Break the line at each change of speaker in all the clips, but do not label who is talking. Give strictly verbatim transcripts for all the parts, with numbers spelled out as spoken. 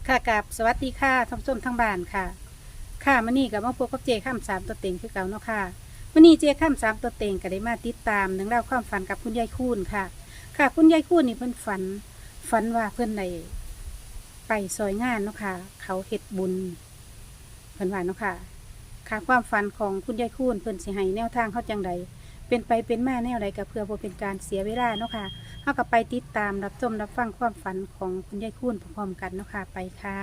ค่ะกับสวัสดีค่ะท่านผู้ชมทั้งบ้านค่ะค่ะมื้อนี้ก็มาพบกับเจข้ามสามตัวเต็งคือเก่าเนาะค่ะมื้อนี้เจข้ามสามตัวเต็งก็ได้มาติดตามเรื่องราวความฝันกับคุณยายคูนค่ะ ค่ะคุณยายคูนนี่เพิ่นฝันฝันว่าเพิ่นได้ไปซอยงานเนาะค่ะเขาเฮ็ดบุญเพิ่นว่าเนาะค่ะค่ะความฝันของคุณยายคูนเพิ่นสิให้แนวทางเฮาจังใดเป็นไปเป็นมาแนวใดก็เพื่อบ่เป็นการเสียเวลาเนาะค่ะเฮาก็ไปติดตามรับชมรับฟังความฝันของคุณยายคูนพร้อมๆกันเนาะค่ะไปค่ะ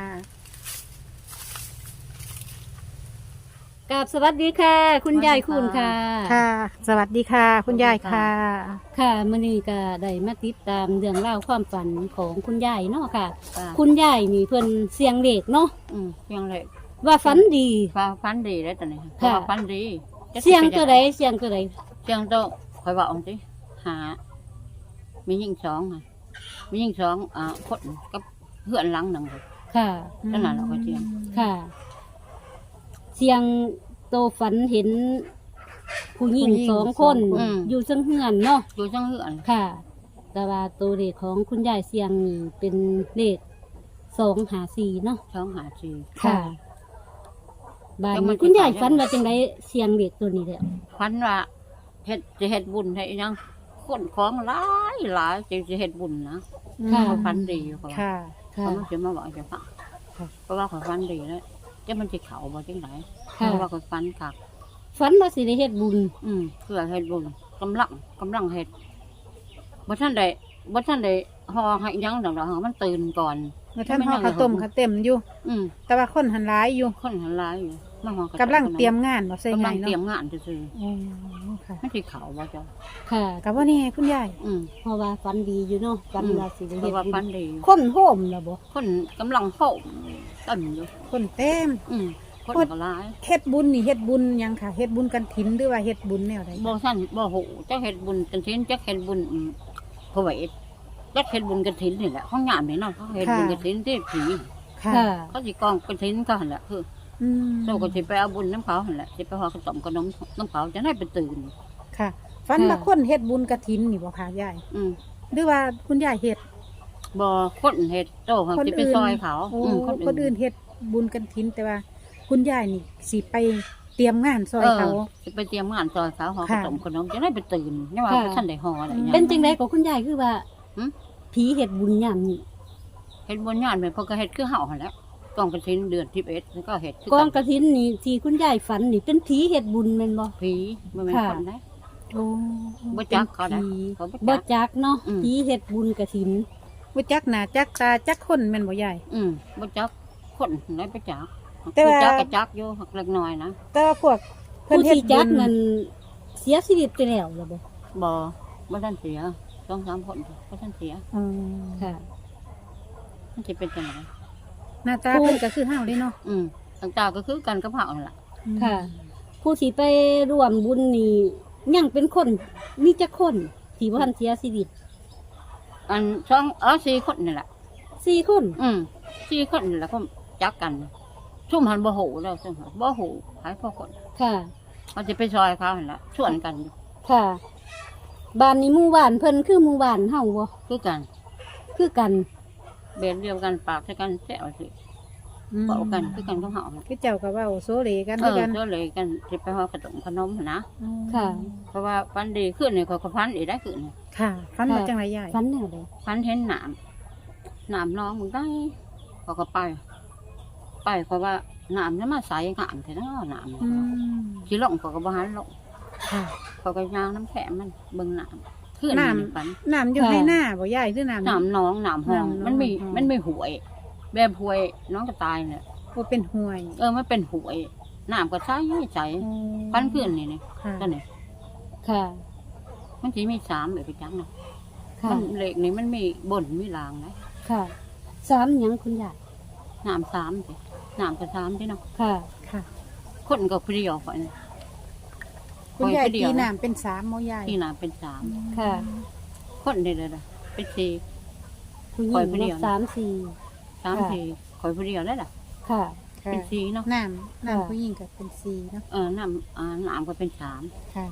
กับสวัสดีค่ะ คุณยายคุณค่ะ
ค่ะ สวัสดีค่ะ คุณยายค่ะ
ค่ะมื้อนี้ก็ได้มาติดตามเรื่องราวความฝันของคุณยายเนาะค่ะ
จ้ะ
คุณยายนี่เพิ่นเสียงเลขเนาะ
อืมเสียงเลย
ว่าฝันดี
ฟ้าฟันดีได้ตอนนี้
ค่ะ
ฟ้าฟันดีจะ
เสียง
ป็น
ตัวใดเสียงตัวใด
เสียงโตคอยบอกองสิหา มียิ่งสองค่ะมียิ่งสองอ่าคนกับเพื่อนหลังหนึ่งเลย
ค่ะ
นั่นน่ะเราก็เสียง
ค่ะ เสียงโตฝันเห็น ผู้หญิงสองคนอยู่จังเฮือนเนาะ
อยู่จังเพื่อน
ค่ะ แต่ว่าตัวเลขของคุณยายเสียงนี่เป็นเลขสองหาสี่เนาะ
สองหาสี่
ค่ะบ้าน
แล้วมัน
นี้คุณยาย
สิขาย
ฝันว่าจังไดเสียงเด็กตัวนี้แหละ
ฟันว่าเฮ็ดจะเฮ็ดบุญให้อีหยังคนของหลายหลายจะจะเฮ็ดบุญนะ
ค่ะ
เขาฟันดีเขาว่า
ค่ะ
ค่ะ
เขาไม่จะมาบอกจะฟัง
ค่ะ
เพราะว่าเขาฟันดีแล้วจะมันจะเขาบ่จังไหนเพ
ค่ะ
ราะว่าเขาฟันคัก
ฝันว่าสิได้เฮ็ดบุญ
อืมเพื่อเฮ็ดบุญกำลังกำลังเฮ็ดบ่ท่านได้บ่ท่านได้ฮอให้หยังดอกดอกมันตื่นก่อน
เมื่อท่านห่อข้าวต้มข้าวเต็มอยู่
อืม
แต่ว่าคนหันร้ายอยู่
คนหันหลายอยู่มาฮอก
กำลังเตรียมงานบ่ใส่
กำ
ไง
ลังเตรียม
เนาะ
งานซื่อ
อ๋อค่ะ
ๆมันสิเขาบ่จ้ะ
ค่ะ
กับว่านี่คุณยาย
อืม
เพราะว่าฝันดีอยู่เนาะฝัน
อืม
ว่าสิได้
เพ
เฮ็ด
ราะว่า
บุ
ฟั
ญ
นดีอยู่
คนโฮมแล้วบ่
คนกำลังโหมต้นอยู่
คนเต็ม
อืมคน
คน
ก็หลาย
เฮ็ดบุญนี่เฮ็ดบุญหยังค่ะเฮ็ดบุญกันถินหรือว่าเฮ็ดบุญแนวใด
บ่ท่านบ่ฮู้จักเฮ็ดบุญกันถินจักเฮ็ดบุญอืมพระเวทจักเฮ็ดบุญกันถินนี่แหละห้องงานนี่เนาะเขาเฮ็ดบุญกันถินที่ผี
ค่ะ
ค่ะ
เขาสิกองกันถินก็หั่นแหละคือ
อืม
เราก็สิไปเอาบุญน้ำเขาหั่นแหละสิไปหอขนมขนมน้ำเขาจะได้ไปตื่น
ค่ะฝันว่าคนเฮ็ดบุญกฐินนี่บ่ค่ะยาย
อืม
หรือว่าคุณยายเฮ็ด
บ่คนเฮ็ดโตเขาสิไปซอยเขา
โอ้
อืม
คนอื่นเฮ็ดบุญกันถินแต่ว่า คุณยายนี่สิไปเตรียมงานซอยเขา
สิไปเตรียมงานซอยเขาหอข
ค่ะ
นมขนมจะได้ไปตื่นนี่ว่า
ค่ะ
บ่ทันได้หออะไรอย่าง
เป็น
เงี้ย
จังไดก็คุณยายคือว่า
หืม
ผีเฮ็ดบุญยามนี้
เฮ็ดบุญงานแม่นเพิ่นก็เฮ็ดคือเฮาหั่นแหละกองกฐินเดือนสิบเอ็ดแล้วก็เฮ็ดคื
กองก
กัน
ฐินนี่ที่คุณยายฝันนี่เป็นผีเฮ็ดบุญแม่นบ่
ผีบ่แม่น
ค่ะ
คนได้
โอ้
บ่จักเขาได้
ผี
เขาบ่
บ่
จัก
จักเนาะ
อืม
ผีเฮ็ดบุญกฐิน
บ่จักหน้าจักตาจักคนแม่นบ่ยาย
อืมบ่จักคนไหนบ่จัก
แต่ว่า
ผู้จักก็จักอยู่หักเล็กน้อยนะ
แต่ว่าพวกเพิ่น
ผู้
เฮ็ด
ที่
บุ
จัก
ญ
นั่นเสียชีวิตไปแล้วล่ะบ่
บ่บ่ทันเสียสองสามคนบ่ทันเสีย
อืม
ค่ะ
มันสิเป็นจังได
หน้าตา
ผู้
เพิ่นก็คือเฮาเด้เนาะ
อืมต่างๆก็คือกันกับเฮานั่นล่ะ
ค่ะ ผู้ที่ไปร่วมบุญนี่ยังเป็นคนมีจักคนที่บ่ทันเสียชีวิต
อันสองเออสี่คนนี่แหละ
สี่คน
อืมสี่คนนี่แหละก็จักกันชุ่มหันบ่หูแล้วซุ่มหันบ่หูหายพอคน
ค่ะ
เขาจะไปซอยเขาหั่นล่ะชวนกันอยู่
ค่ะบ้านนี้หมู่บ้านเพิ่นคือหมู่บ้านเฮาบ่
คือกัน
คือกัน
เบียดเดียวกันปากใส่กันแซวสิ
อืม
เว้ากันคือกันกับเฮาน่ะ
คือเจ้าก็เว้าโซเลกัน
เอ
คือ
อ
กัน
เจ้าเลยกันสิไปฮอดขนมขนมหั่นนะ
ค่ะ
เพราะว่าฟันดีขึ้นนี่เขาก็ฟันอีกได้ขึ้นนี่
ค่ะฟันมา
ค่ะ
จังไรยาย
ฝันแนวใด
ฟันเห็นหนามหนามน้องมึงได้เขาก็ไป ไปเพราะว่าหนามนั้นมาใส่หนามแต่เนาะหนาม
อืม
สิลงเขาก็บ่หันลง
ค่ะ
เขาก็ย่างน้ำแข็งมันเบิ่งหนามขึ้น
หนาม
นี่ฟัน
น้ำอยู่ให้หน้าบ่ยายคือน้ำ
หนามน้องหนามห้อง
หนามน้อง
มันมี
ห้อง
มันมีหวย แบบหวยน้องก็ตายเนี่ย
โอ้เป็นห่วย
เออมันเป็นหวยหนามก็ใช้ใช้ฟันขึ้นนี่นี่
ค่ะ
ตัวนี้
ค่ะ
มันสิมีสามแบบไปจังนะ
ค่ะ
มันเหล็กนี่มันมีบนมีรางนะ
ค่ะสามหยังคุณยาย
หนามสามสิหนามก็สามสิเนาะ
ค่ะ
ค่ะ
คนก็ผู้เดียวก่อน
คุณยาย
ปล่อยไปเดี
ตี
ยว
น้ำเป็นสามโมยาย
ที่หนามเป็นสาม
ค่ะ
คนเดียวเลยนะเป็นสี่
ผู้หญิ
ปล่อย
ง
ผู้เดียว
เนาะสามสี่
สาม
ค่ะ
สี่คอยผู้เดียวได้ล่ะ
ค่ะ
ค่ะ
เป็นสี่เนาะ
น้ำน้ำผู้หญิงกับเป็นสีเนาะ
เออหนามอ่าหนามก็เป็นสาม
ค่ะ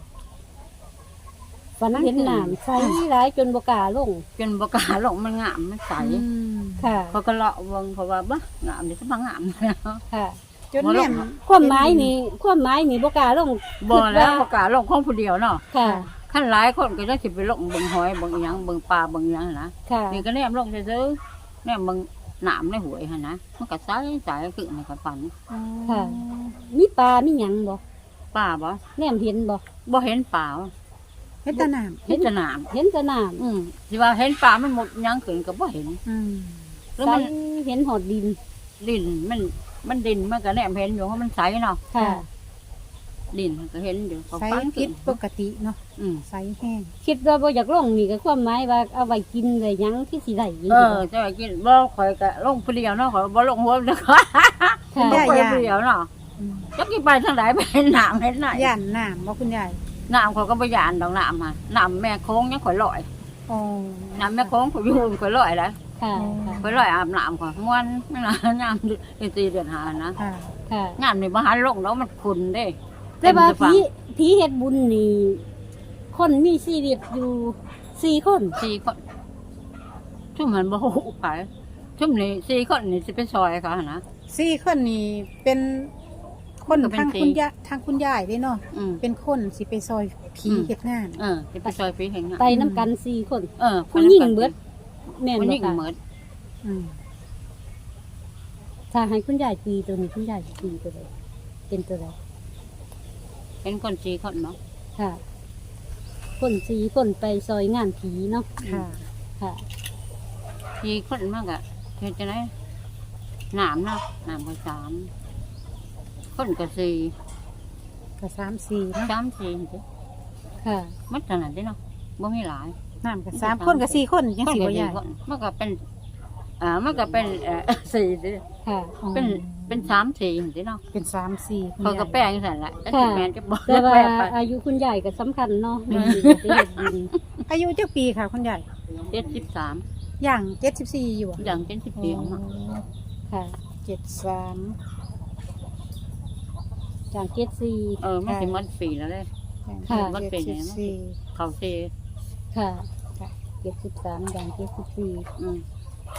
ฝันเห็นหนามใสร้ายจนบกล้าลง
จนบกล้าลงมันงามมันใส
อืม
ค่ะ
เขาก็เลาะเบิ่งเพราะว่าบ่งามนี่ก็บ่งามแล้ว
ค่ะ
จนแม่น
ความหมายนี่ความหมายนี่บ่กล้าลง
บ่แล้ว
คิดา
บ่กล้าลงของผู้เดียวเนาะ
ค่ะ
คันหลายคนก็จะสิไปลงเบิ่งหอยเบิ่งอีหยังเบิ่งปลาเบิ่งอีหยังนะ
ค่ะ
นี่ก็แนมลงซื่อๆแนมเบิ่งน้ำในหวยหั่นนะมันก็ใสใสคือในกระปัน
ค่ะ มีปลามีหยังบ่
ป้าบ่
แนมเห็นบ่
บ่เห็นป่า
เฮ็ดแตะน้ำ
เห็นแต่น้
เห็นแต่น้ำ
ำอืมสิว่าเห็นป่ามันหมดหยังขึ้นก็บ่เห็น
อืม
แล้ว
ใส
มัน
เห็นหอดดิน
ดินมันมันดินมันก็แนมเห็นอยู่เพราะมันใสเนาะ
ค่ะ
ดินมันก็เห็นอยู่เขา
ใส
ฟัง
ผิ
ขึ้
ด
น
ปกติเนาะ
อืม
ใสแห้ง
คิดว่าบ่อยากลงนี่ก็ความหมายว่าเอาไว้กินเลยหยังที่สิได้ยิน
เออจะว่ากินบ่ข่อยก็ลงผู้เดียวเนาะข่อยบ่ลงหัวเด้อค่ะ
ค่ะ
บ่ไปผู้เดียวเนาะ
อืม
จักสิไปทางใดไปเห็นน้ำเห็นไหน
ย่านน้ำบ่คุณยาย
น้ำข่อยก็บ่ย่านดอกน้ำมาน้ำแม่โค้งยังข่อยลอย
อ๋อ
น้ำแม่โค้งข่อยอยู่ข่อยลอยแล้ว
ค่ะ ค่ะ
ข่อยลอยอาบน้ำข่อยม่วนไม่นานยามเดือนสี่เดือนห้านะ
ค่ะ
ค่ะ
งานนี่บ่หันลงแล้วมันขุ่นเด้
แต่ว่า
เต็มจะฟั
ผี
ง
ผีเฮ็ดบุญนี่คนมีชีวิตอยู่สี่คน
สี่คนชุ่มมันบ่ฮู้ไปชุ่มนี่สี่คนนี่สิไปซอยเขาหั่นนะ
สี่คนนี่เป็นคน
ก็เป็น
ทาง
สี่
คุณยายทางคุณยายเด้เนาะ
อืม
เป็นคนสิไปซอยผี
อืม
เฮ็ดงาน
เออสิไปซอยพี่เห็นงาน
ไปน้ำกันสี่คน
เออ
ผู้หญิงเบิดแม่น
ผู้ห
บ่
ญิง
ค่ะ
เบิด
อืม
ถ้าให้คุณยายตีตัวนี้คุณยายตีตัวใดเป็นตัวใด
เป็นคนสี่คนเนาะ
ค่ะ คนสี่คนไปซอยงานผีเนาะ
ค่ะ
ค่ะ
สี่คนมากอะเฮ็ดจังได๋น้ำเนาะน้ำก็สามคนก็สี่
ก็สามสี่เนาะ
สามสี่สิ
ค่ะ
มันเท่านั้นเด้เนาะบ่มีหลาย
น้ำก็สามคนกับสี่คนยังสี่
คน
บ่
ก็
ใหญ่
คนมันก็เป็นอ่ามันก็เป็นเอ่อ สี่สิ
ค่ะ
เป็นเป็นสามสี่สิเนาะ
เป็นสามสี่คุณ
เขาก็
ยาย
แป้งสั่นแหละแต่แม่นจะบอก
แต่ว่า
แป้งไป
อายุคุณยายก็สำคัญเนาะในชีวิตบุญ
อายุเจ้าปีค่ะคุณยาย
เจ็ดสิบสาม
ย่างเจ็ดสิบสี่อยู่อะ
อย่างเจ็ดสิบสี่ออกมา
ค่ะ
เจ็ดสาม
จากเกตซี
เออมันสิมันปีแล้วเลย
ค่ะ
มันเป็น
เจ็
ยั
ด
ง
สิ
ไง
บสี่
เขาเซ
ค่ะเจ็ดสิบสามอย่างเจ็ดสิบสี่
อืม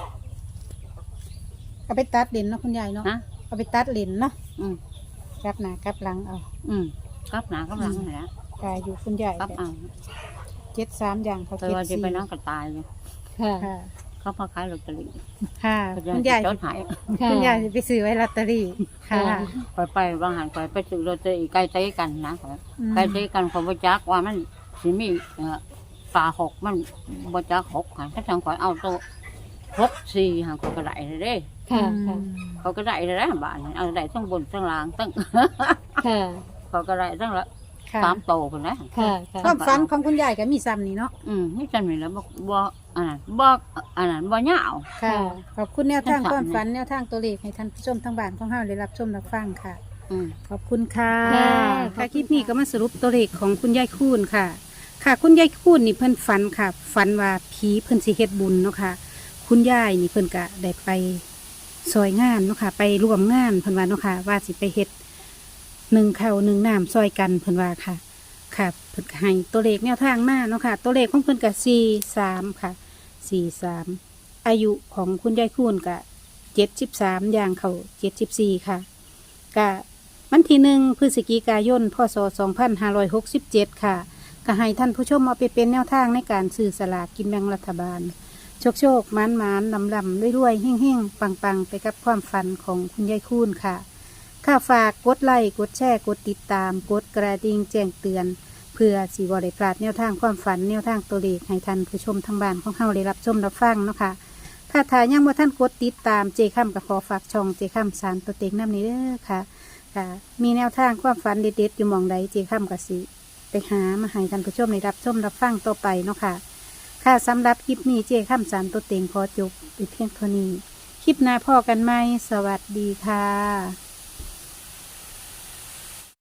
เอาไปตัดเลนเนาะคุณยายเนาะ
ฮะ
เอาไปตัดเลนเนาะ
อืม
กลับหน้ากลับหลังเอา
อืมกลับหนากลับหลังนั่นแหละ
กายอยู่คุณยาย
กลับเอา
เจ็ดสามอย่างเขา
แต่
เจ็ด
ว่าจะ
สี่
ไปนั่งกระตายอยู่
ค่ะ
ค่ะ
เขาพาขายลอตเตอรี่
ค่ะ
เขา
คุณ
จะ
ยาย
จดหาย
ค่ะ
คุณยายจะไปซื้อไว้ลอตเตอรี่ค่ะ
ค่ะ
ไปไปบางหันไปไปซื้อลอตเตอรี่ใกล้ใจกันนะ
อืม
ใกล้ใจกันเขาบ่จักว่ามันสิมีเอ่อปลาหกมันบ่จักหกค่ะถ้าทางข่อยเอาตัวหกสี่หางเขาก็ได้เลยเด้
ค่ะค่ะ
เขาก็ได้เลยนะบ้านนี่เอาได้ทั้งบนทั้งล่างทั้ง
ค่ะ
เขาก็ได้ทั้งละ
ค่ะ
สามโตคนนะ
ค่ะค่ะ
ความฝันของคุณยายก็มีซ้ำนี่เนาะ
อืมนี่จันนี่แล้วบ่บ่อันนั้นบ่อันนั้นบ่ยาว
ค่ะ ขอบคุณแนวทาง
ทั้ง
ค
สาม
วามฝันแนวทางตัวเลขให้ท่านผู้ชมทางบ้านของเฮาได้รับชมรับฟังค่ะ
อืม
ขอบคุณค่ะ
ค่ะ
ค่ะคลิปนี้ก็มาสรุปตัวเลขของคุณยายคูณค่ะ ค่ะ คุณยายคูณนี่เพิ่นฝันค่ะ ฝันว่าผีเพิ่นสิเฮ็ดบุญเนาะค่ะ คุณยายนี่เพิ่นก็ได้ไปซอยงานเนาะค่ะ ไปร่วมงานเพิ่นว่าเนาะค่ะ ว่าสิไปเฮ็ดหนึ่งข้าวหนึ่งน้ำซอยกันเพิ่นว่าค่ะ ค่ะเพิ่นก็ให้ตัวเลขแนวทางมาเนาะค่ะ ตัวเลขของเพิ่นก็สี่สามค่ะสี่สามอายุของคุณยายคูณก็เจ็ดสิบสามอย่างเขาเจ็ดสิบสี่ค่ะก็วันที่หนึ่งพฤศจิกายนพศสองพันห้าร้อยหกสิบเจ็ดค่ะก็ให้ท่านผู้ชมเอาไปเป็นแนวทางในการซื้อสลากกินแบ่งรัฐบาล โชคโชคหมานหมานลำลำรวยๆเฮ่งเฮ่งปังปังๆ ไปกับความฝันของคุณยายคูณค่ะค่าฝากกดไลค์กดแชร์กดติดตามกดกระดิ่งแจ้งเตือน เพื่อสีบริพลาดแนวทางความฝันแนวทางตัวเลขให้ท่านผู้ชมทางบ้านของเฮาได้รับชมรับฟังเนาะค่ะถ้าทายังว่าท่านกดติดตามเจค่ำกับขอฝากช่องเจค่ำสารตัวเต็งน้ำนี้เด้อค่ะค่ะ มีแนวทางความฝันเด็ดๆอยู่หมองใดเจค่ำกับสิไปหามาให้ท่านผู้ชมได้รับชมรับฟังต่อไปเนาะค่ะ ค่ะสำหรับคลิปนี้เจ้ข้ามสารตัวเต็งขอจบไปเพียงเท่านี้ คลิปหน้าพ่อกันไหมสวัสดีค่ะ